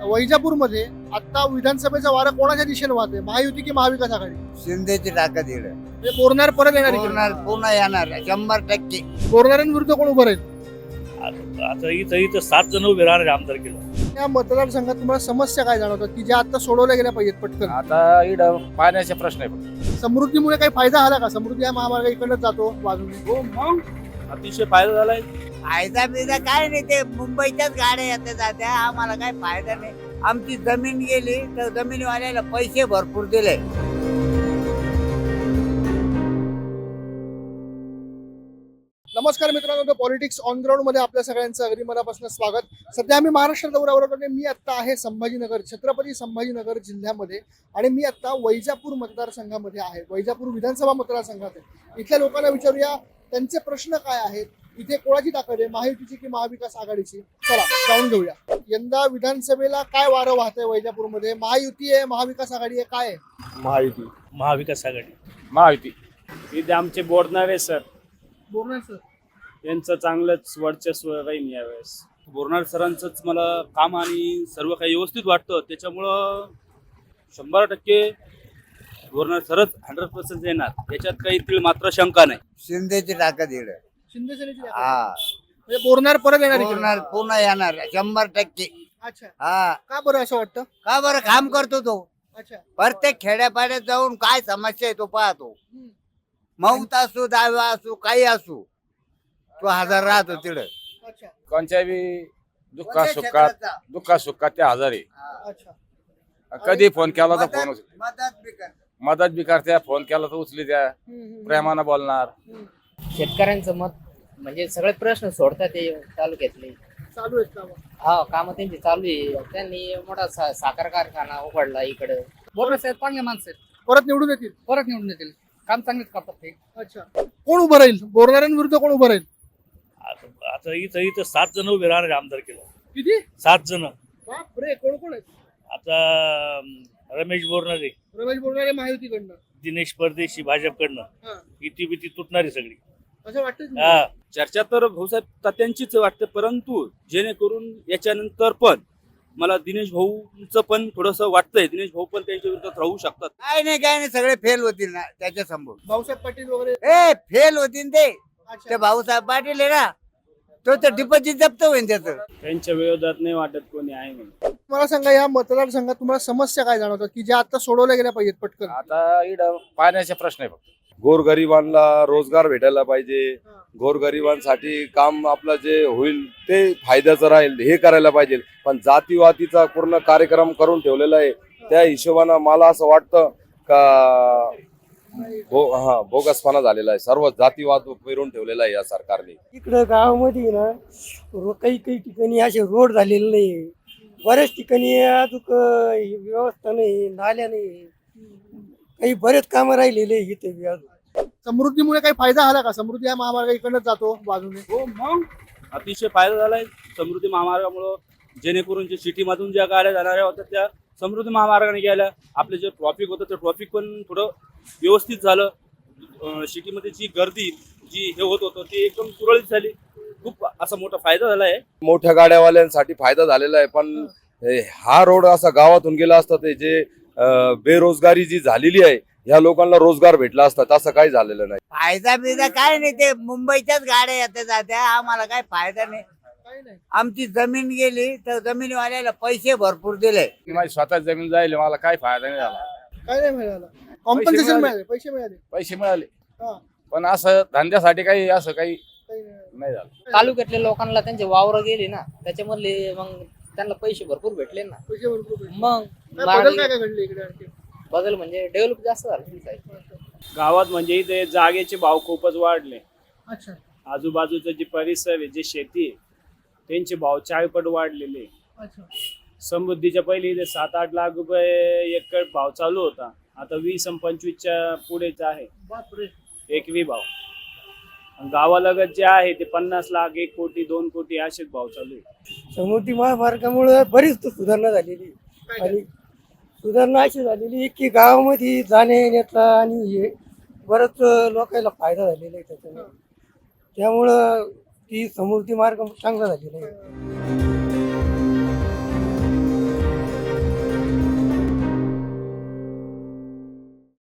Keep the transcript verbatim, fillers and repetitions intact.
वैजापूरमध्ये आता विधानसभेचा वारा कोणाच्या दिशेने वाहतोय? महायुती की महाविकास आघाडी? शिंदेची ताकद येईल. म्हणजे बोरणार परत येणार इकडे? पूर्ण पुन्हा येणार शंभर टक्के. बोरणाऱ्यांविरुद्ध कोण उभं राहील? आता आता इथं इथं सात जण उभे राहणार आहे आमदार केलं. या मतदारसंघात तुम्हाला समस्या काय जाणवतात की ज्या आता सोडवल्या गेल्या पाहिजेत पटकन? आता इकडं पाण्याचा प्रश्न आहे फक्त. समृद्धीमुळे काही फायदा झाला का? समृद्धी हा महामार्ग इकडनं जातो बाजूने. हो मग अतिशय फायदा झालाय. फायदा बिदा काय नाही, ते मुंबईच्याच गाड्या येत्या जात्या, आम्हाला काय फायदा नाही. आमची जमीन गेली तर जमिनीवाल्याला पैसे भरपूर दिले. नमस्कार मित्रांनो, पॉलिटिक्स ऑन ग्राउंड मध्ये आपल्या सगळ्यांचं अगदी मनापासून स्वागत. सध्या आम्ही महाराष्ट्र दौऱ्यावर होतो. मी आता आहे संभाजीनगर, छत्रपती संभाजीनगर जिल्ह्यामध्ये, आणि मी आता वैजापूर मतदारसंघामध्ये आहे. वैजापूर विधानसभा मतदारसंघात आहे. इथल्या लोकांना विचारूया त्यांचे प्रश्न काय आहेत, इथे कोणाची ताकद आहे, महायुतीची की महाविकास आघाडीची? चला जाऊन घेऊया. यंदा विधानसभेला काय वारं वाहतंय वैजापूरमध्ये? महायुती आहे, महाविकास आघाडी आहे, काय आहे? महायुती. महाविकास आघाडी. महायुती. इथे आमचे बोरणारे सर, बोरणार सर यांचं चांगलंच वर्चस्व राहील यावेळेस. बोरणार सरांचंच मला काम आणि सर्व काही व्यवस्थित वाटतं, त्याच्यामुळं शंभर टक्के बोरणार सरच हंड्रेड पर्सेंट येणार, त्याच्यात काही तीळ मात्र शंका नाही. शिंदेची ताकद येईल. शिंदे सेनेची ताकद. हा म्हणजे बोरणार परत येणार इकडे? पूर्ण पुन्हा येणार शंभर टक्के. अच्छा, हा का बरं असं वाटतं? का बरं काम करतो तो. अच्छा. प्रत्येक खेड्यापाड्यात जाऊन काय समस्या आहे तो पाहतो. हम्म. मौत असू, दावा असू, काही असू, तो हजर राहतो तिकडे. अच्छा कोणत्या बी दुःखा सुखात दुःखा सुखात ते हजारी. अच्छा. कधी फोन केला तर फोन मदत मदत बी करतो. मदत बी करत्या, फोन केला तर उचली द्या, हम्म, हम्म, प्रेमानं बोलणार. हम्म. शेतकऱ्यांचं मत म्हणजे सगळे प्रश्न सोडतात ते तालुक्यातले. चालू आहेत का? हा काम त्यांची चालू आहे. त्यांनी मोठा सा- साखर कारखाना उघडला इकडं. बोरणार साहेब चांगले माणसं आहेत, परत निवडून येतील? परत निवडून येतील. काम चांगलेच करतात ते. अच्छा, कोण उभं राहील? बोरणाऱ्यांविरुद्ध कोण उभं राहील? आता आता इथं इथं सात जण उभे राहणार आहे आमदार केलं. किती? सात जण. बापरे, कोण कोण आहेत? आता अं, रमेश बोरणारे, रमेश बोरणारे महायुतीकडनं. दिनेश परदेशी भाजपकडनं, हा, इती बिती तुटणारी सगळी. असं वाटतं? हा, चर्चा तर भाऊसाहेब तात्यांचीच वाटते, परंतु जेणेकरून याच्यानंतर पण मला दिनेश भाऊचं पण थोडंसं वाटतंय, दिनेश भाऊ पण त्यांच्या विरोधात राहू शकतात. काय नाही काय नाही, सगळे फेल होतील ना त्याच्या समोर. भाऊसाहेब पाटील वगैरे? ए फेल होतील ते. अच्छा. ते भाऊसाहेब पाटील आहे ना, तो तर डिपॉझिट जप्त होईल त्याचं. त्यांच्या विरोधात नाही वाटत कोणी आहे म्हणून. मला सांगा, या मतदारसंघात तुम्हाला समस्या काय जाणवतात की ज्या आता सोडवल्या गेल्या पाहिजेत पटकन? आता इकडं पाण्याचा प्रश्न आहे फक्त. गोरगरिबांना रोजगार भेटायला पाहिजे. गोरगरिबांसाठी काम आपलं जे होईल ते फायद्याचं राहील हे करायला पाहिजे. पण जातीवातीचा पूर्ण कार्यक्रम करून ठेवलेला आहे. त्या हिशोबानं मला असं वाटतं का भो हा बोगसपणा झालेला आहे. सर्व जातीवाद पेरून ठेवलेला आहे या सरकारने. इकडं गावामध्ये ना रो- काही काही ठिकाणी असे रोड झालेले नाही. बऱ्याच ठिकाणी अजून व्यवस्था नाही, नाल्या नाही, काही बरेच कामं राहिलेले आहे इथे बी अजून. समृद्धीमुळे काही फायदा झाला का? समृद्धी हा महामार्ग इकडनं जातो बाजूने. हो मग अतिशय फायदा झालाय समृद्धी महामार्गामुळं, जेणेकरून जे सिटीमधून ज्या गाड्या जाणाऱ्या होत्या त्या समृद्धी महामार्गाने गेल्या. आपले जे ट्रॉफिक होतं ते ट्रॉफिक पण थोडं व्यवस्थित झालं. अं, सिटीमध्ये जी गर्दी जी हे होत होतं ती एकदम सुरळीत झाली. खूप असा मोठा फायदा झाला आहे. मोठ्या गाड्यावाल्यांसाठी फायदा झालेला आहे. पण हे- हा रोड असा गावातून गेला असता ते जे अं, बेरोजगारी जी झालेली आहे ह्या लोकांना रोजगार भेटला असता, तसं काही झालेलं नाही. फायदा बिदा काय नाही, ते मुंबईच्याच गाड्या येत्या जात्या, आम्हाला काय फायदा नाही. काही नाही. आमची जमीन गेली तर जमिनीवाल्याला पैसे भरपूर दिले. माझी स्वतः जमीन जाईल, मला काय फायदा नाही झाला. काही नाही मिळालं. कॉम्पन्सेशन मिळाले. मिळाले, पैसे मिळाले. पैसे मिळाले हा, पण असं धंद्यासाठी काही असं काही काही नाही. नाही झालं. तालुक्यातल्या लोकांना त्यांचे वावर गेले ना, त्याच्यामधले मग त्यांना पैसे भरपूर भेटले ना. पैसे भरपूर भेटले. मग काय बदल काय काय घडले इकडे आणखी? बदल म्हणजे डेव्हलप जास्त झालं. गावात म्हणजे इथे जागेचे भाव खूपच वाढले. अच्छा. आजूबाजूचा जे परिसर आहे, जे शेती आहे, त्यांचे भाव चाळपट वाढलेले. अच्छा. समृद्धीच्या पहिले इथे सात आठ लाख रुपये एकर भाव चालू होता, आता वीस आणि पंचवीसच्या पुढेच आहे बापरे. एकवी भाव. आणि गावालगत जे आहे ते पन्नास लाख, एक कोटी, दोन कोटी असेच भाव चालू आहे. समृद्धी महामार्गामुळे बरीच तो सुधारणा झालेली. काय आणि सुधारणा अशी झालेली की गावामध्ये जाण्या येण्याचा आणि हे बरंच लोकांना फायदा झालेला आहे त्याच्यामुळे. त्यामुळं ती समृद्धी मार्ग चांगला झालेला आहे.